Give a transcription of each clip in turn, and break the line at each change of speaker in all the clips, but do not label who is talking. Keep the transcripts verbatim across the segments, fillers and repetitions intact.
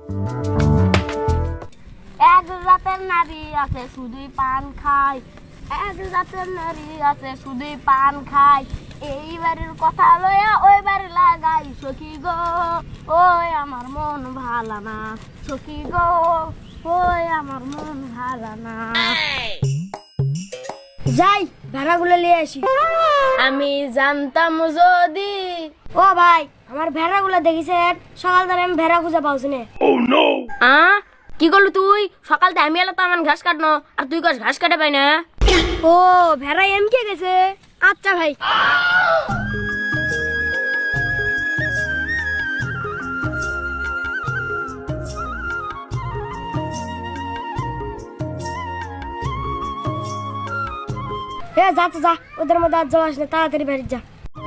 এক জাতের নারী আছে শুধুই পান খায়, এক জাতের নারী আছে শুধুই পান খায়। এই বাড়ির কথা লইয়া ওই বাড়ি লাগাই সখী গো, ওই আমার মন ভালো না সখী গো, ওই আমার মন ভালো না। যাই ভেড়াগুলো নিয়ে আসি। আমি জানতাম যদি। ও ভাই, আমার ভেড়াগুলো দেখিছেন? সকাল ধরে আমি ভেড়া খুঁজে পাওছি না। আ কি করলি তুই? সকাল থেকে আমি এলাম তো আমার ঘাস কাটনো, আর তুই গাছ ঘাস কাটে পাই না। ও ভেড়া এম কে গেছে। আচ্ছা ভাই। হ্যাঁ যা তো যা, ওদের মধ্যে আর জল আসলে তাড়াতাড়ি বেরিয়ে যা।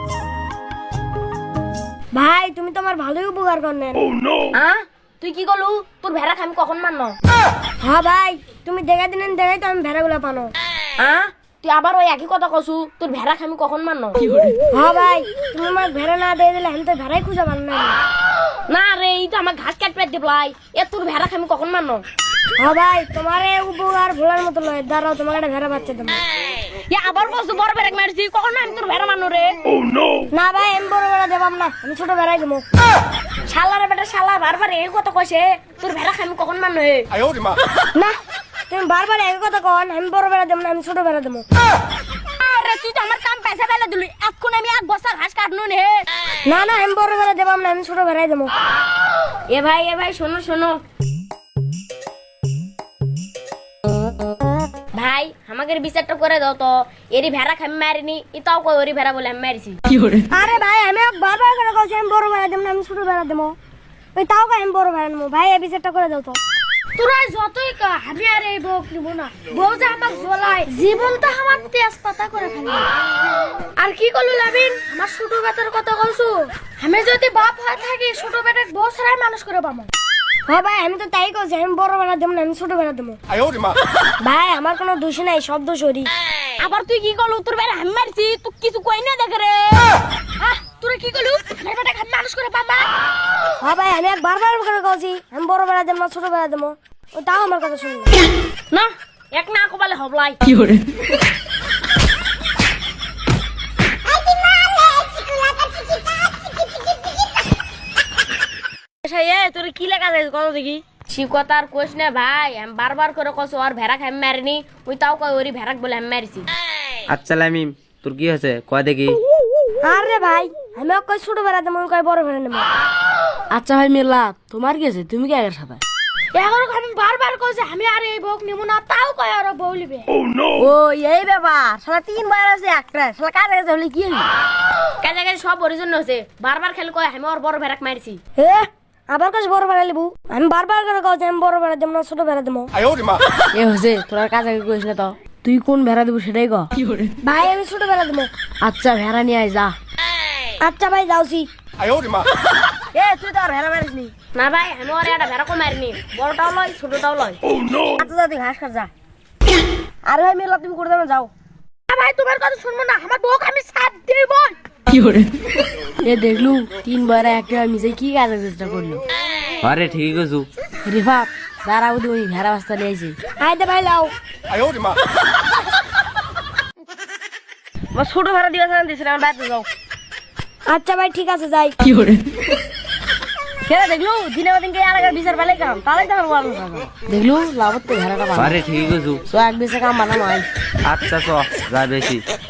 ভাই তুমি তো আমার ভালোই উপকার করলেন। হ্যাঁ তুই কি করলু? তোর ভেড়া আমি কখন মারনো? হ্যাঁ ভাই তুমি দেখা দিলেন, দেখাই তো আমি ভেড়াগুলো পানো। হ্যাঁ তুই আবার ওই একই কথা কসু, তোর ভেড়া আমি কখন মারনো? হ্যাঁ ভাই তুমি আমার ভেড়া না দিয়ে দিলে আমি তো ভেড়াই খুঁজে পান না। না রে, এই তো আমার ঘাস কাটপে দিবলাই, এ তোর ভেড়া আমি কখন মারনো? হ্যাঁ ভাই তোমার এই উপকার ভোলার মতো নয়, দাঁড়াও তোমাকে একটা ভেড়া বাচ্চা দেবো। আবার কসু বড় ভেড়া মারছি, কখন আমি তোর ভেড়া মারনো রে? না ভাই আমি বড় ভেড়া দেবাম না, আমি ছোট ভেড়াই দেবো। শালার বেটা শালা বারবার এই কথা কইছে, তোর ভেড়া আমি কখন মারনো? না তুমি বারবার এই কথা কন, আমি বড় ভেড়া দেব না, আমি ছোট ভেড়া দেবো। আরে তুই তো আমার কাম পয়সা ফেলে দিলি, এখন আমি এক বস্তা ঘাস কাটনু নে। না না আমি বড় ভেড়া দেবাম না, আমি ছোট ভেড়াই দেবো। এ ভাই এ ভাই শোনো শোনো ভাই, আমাকে বিচারটা করে দাও তো। এরি ভেড়া আমি মারিনি, এটাও কই ওরি ভেড়া বলে আমি মারিছি। আরে ভাই আমি বারবার করে কইছি আমি বড় ভেড়া দেব না, আমি ছোট ভেড়া দেবো। ওই তাও কই আমি বড় ভেড়া নেবো। ভাই এই বিচারটা করে দাও তো। তোরা যতই কা আমি আর এই বউক নিব না, বউ যে আমাকে জ্বলায় জীবনটা আমার তেজ পাতা করে ফেলে। আর কি করলু লাবিন, আমার ছোট বেটার কথা কইছো? আমি যদি বাপ হয়ে থাকি ছোট বেটার বউ ছাড়াই মানুষ করে পাবো। হ্যাঁ ভাই আমি তো তাই কইছি, আমি বড় ভেড়া দেব না, আমি ছোট ভেড়া দেবো। ভাই আমার কোনো দোষ নাই, সব দোষ ওরই। আবার তুই কি করলু? তোর বেটা আমি মারছি, তুই কিছু কই না দেখ রে। তুই কি করলু? আমার বেটা খান মানুষ করে পাবা। হ্যাঁ ভাই আমি এক বারবার করে কইছি আমি বড় ভেড়া দেব না, ছোট ভেড়া দেবো। ও তাও আমার কথা শুনলো না। এক না কবালে হবলাই কি করে। তোর কি লেখা আছে কত দেখি? শিকতার কোশ না ভাই, আমি বারবার করে কইছো আর ভেড়া খাই মারিনি, ওই তাও কই ওরি ভেড়াক বলে আমি মারিছি।
আচ্ছা লামিম তোর কি হয়েছে কয় দেখি?
আরে ভাই আমি কই ছোট ভেড়া দেবো, কই বড় ভেড়া নেবো। আচ্ছা ভাই মিল্লা তোমার কি আছে, তুমি কি আগের সাথে? এখন আমি বারবার কইছি আমি আর এই বউক নিব না, তাও কই আর বউ লিবে। ও এই ব্যাপার, শালা তিন বার আছে একটা, শালা কাজে কাজে হলে কি হইছে? কাজে কাজে সব ওর জন্য হইছে, বারবার খেলে কই আমি আর বড় ভেড়াক মারছি। হে আবার কাজ বড় ভেড়া লিবু? আমি বারবার করে কইছি আমি বড় ভেড়া দেব না, ছোট ভেড়া দেবো। এ হইছে তোর কাজে কইছ না তো, তুই কোন ভেড়া দেবো সেটাই ক। ভাই আমি ছোট ভেড়া দেবো। আচ্ছা ভেড়া নিয়ে আয় যা। আচ্ছা ভাই যাওছি। এ তুই তো আর ভেড়া মারিসনি? না ভাই আমি আর একটা ভেড়া কো মারিনি, বড়টাও লয় ছোটটাও লয়। আচ্ছা যা তুই ঘাস খা যা। আরে ভাই মেলা তুমি করে দেবে যাও। ভাই তোমার কথা শুনবো না, আমার বউকে আমি সাথ দেব। কি করে এ দেখলু তিনবার একটা মিশে কি কাজ চেষ্টা করলো।
আরে ঠিকই কইছু।
রিফাত দাঁড়াও তুই ভেড়া বাস্তা নিয়ে আইছি। আইতে ভাই লাও। ছোট ভেড়া দিবা সান দিছিলাম, বাইরে যাও। আচ্ছা ভাই ঠিক আছে যাই। কি করে খেলা দেখলু দিনে দিনকে আলাদা বিচার পালে কাম তাহলে তো আমার দেখলু লাভত তো ভেড়াটা।
আরে ঠিকই কইছু।
সো এক বেশে কাম বানাম আই।
আচ্ছা চ যা বেশি।